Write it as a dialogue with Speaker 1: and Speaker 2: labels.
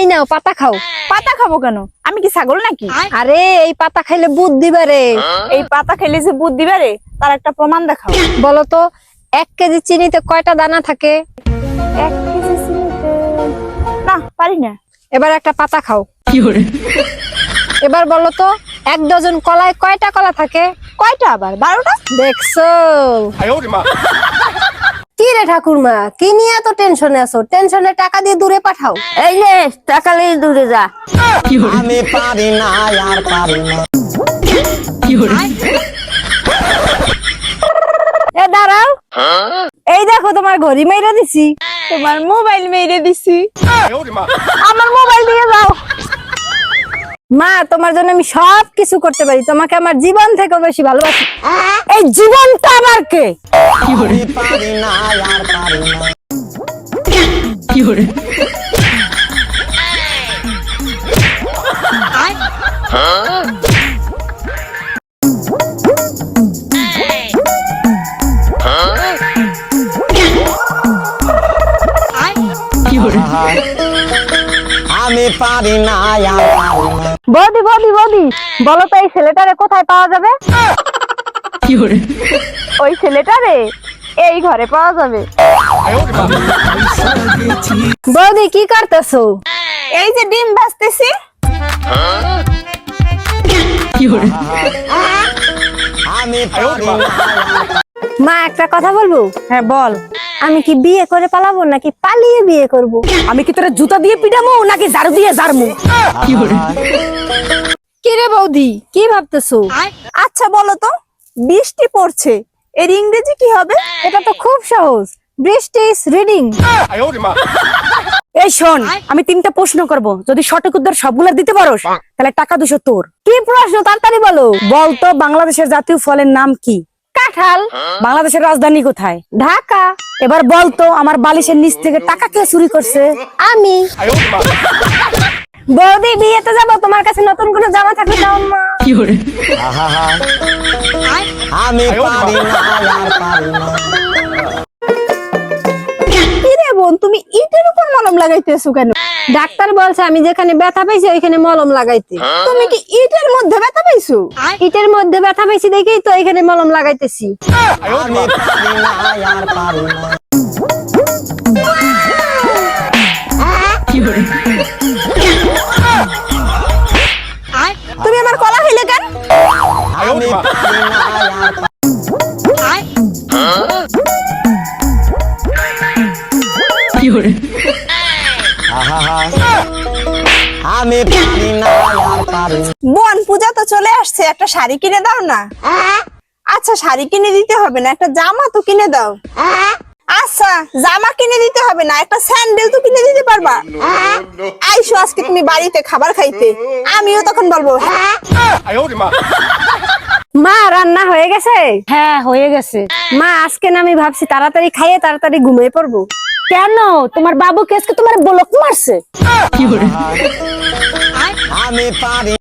Speaker 1: নাও পাতা খাও।
Speaker 2: পাতা খাবো কেন? আমি কি ছাগল নাকি?
Speaker 1: আরে এই পাতা খাইলে বুদ্ধি বাড়ে।
Speaker 2: এই পাতা খেলে যে বুদ্ধি বাড়ে তার একটা প্রমাণ দেখাও।
Speaker 1: বলো তো 1 কেজি চিনিতে কয়টা দানা থাকে?
Speaker 2: 1 কেজি চিনিতে না পারি না।
Speaker 1: এবার একটা পাতা খাও। এবার বলো তো 1 ডজন কলায় কয়টা কলা থাকে?
Speaker 2: কয়টা আবার? 12টা।
Speaker 1: দেখছো? কি রে ঠাকুরমা, কি নিয়ে এত টেনশনে আছো? টেনশনে টাকা দিয়ে দূরে পাঠাও।
Speaker 2: এই নে টাকা নিয়ে দূরে যা।
Speaker 3: আমি পারি না আর পারি না।
Speaker 1: এ দাঁড়াও, এই দেখো তোমার ঘড়ি মাইরা দিছি।
Speaker 2: তোমার মোবাইল মেরে দিছি। আমার মোবাইল দিয়ে যাও।
Speaker 1: মা, তোমার জন্য আমি সব কিছু করতে পারি, তোমাকে আমার জীবন থেকে বেশি ভালোবাসি। এই জীবনটা আমার কে?
Speaker 3: আমি পারি না আর পারি না। আমি পারি না আর পারি না।
Speaker 1: বৌদি বৌদি বৌদি, বলো তো এই ছেলেটারে কোথায় পাওয়া যাবে?
Speaker 2: ওই ছেলেটারে এই ঘরে পাওয়া যাবে।
Speaker 1: বৌদি কি করতেছো?
Speaker 2: এই যে ডিম ভাজতেছি।
Speaker 3: আমি পারি না আর
Speaker 1: মা, একটা কথা বলবো?
Speaker 2: হ্যাঁ বল।
Speaker 1: আমি কি বিয়ে করে পালাবো নাকি পালিয়ে বিয়ে করব?
Speaker 2: আমি কি তোরা জুতা দিয়ে পিটামু নাকি ঝাড়ু দিয়ে ঝাড়মু?
Speaker 1: কি রে বৌদি, কি ভাবতেছো?
Speaker 2: আচ্ছা বলো তো, বৃষ্টি পড়ছে, এর ইংরেজি কি হবে?
Speaker 1: এটা তো খুব সহজ, বৃষ্টি ইজ রিডিং।
Speaker 2: এই শোন, আমি 3টা প্রশ্ন করব, যদি সঠিক উত্তর সবগুলা দিতে পারোস তাহলে টাকা 200 তোর।
Speaker 1: কি প্রশ্ন, তাড়াতাড়ি বলো।
Speaker 2: বলতো বাংলাদেশের জাতীয় ফলের নাম কি?
Speaker 1: কাঁঠাল।
Speaker 2: বাংলাদেশের রাজধানী কোথায়?
Speaker 1: ঢাকা।
Speaker 2: এবার বলতো আমার বালিশের নিচ থেকে টাকা কে চুরি করছে?
Speaker 1: আমি। বৌদি, বিয়েতে যাবো, তোমার কাছে নতুন কোনো জামা থাকলে দাও মা।
Speaker 3: আমি পারি না আর পারি না।
Speaker 2: কি রে বোন, তুমি ইটের উপর মলম লাগাইতেছো কেন?
Speaker 1: ডাক্তার বলছে আমি যেখানে ব্যথা পাইছি ওইখানে মলম লাগাইতে।
Speaker 2: তুমি কি ইটের মধ্যে ব্যথা পাইছো?
Speaker 1: ইটের মধ্যে ব্যথা পাইছি দেখেই তো এখানে মলম লাগাইতেছি।
Speaker 3: আমি পারি না আর পারি না।
Speaker 2: তুমি আমার কলা খাইলে কেন?
Speaker 3: আমি পারি না আর আমি পারি না আর পারি না।
Speaker 2: বোন, পূজা তো চলে আসছে, একটা শাড়ি কিনে দাও না। আচ্ছা শাড়ি কিনে দিতে হবে না, একটা জামা তো কিনে দাও। আচ্ছা জামা কিনে দিতে হবে না, একটা স্যান্ডেল তো কিনে দিতে পারবা। আইসো আজকে তুমি বাড়িতে খাবার খাইতে, আমিও তখন বলবো
Speaker 1: মা, রান্না হয়ে গেছে?
Speaker 2: হ্যাঁ হয়ে গেছে।
Speaker 1: মা, আজকে না আমি ভাবছি তাড়াতাড়ি খাইয়ে তাড়াতাড়ি ঘুমিয়ে পড়বো।
Speaker 2: কেন? তোমার বাবু কেসকে তোমার বলক মারছে?
Speaker 3: আমি পারি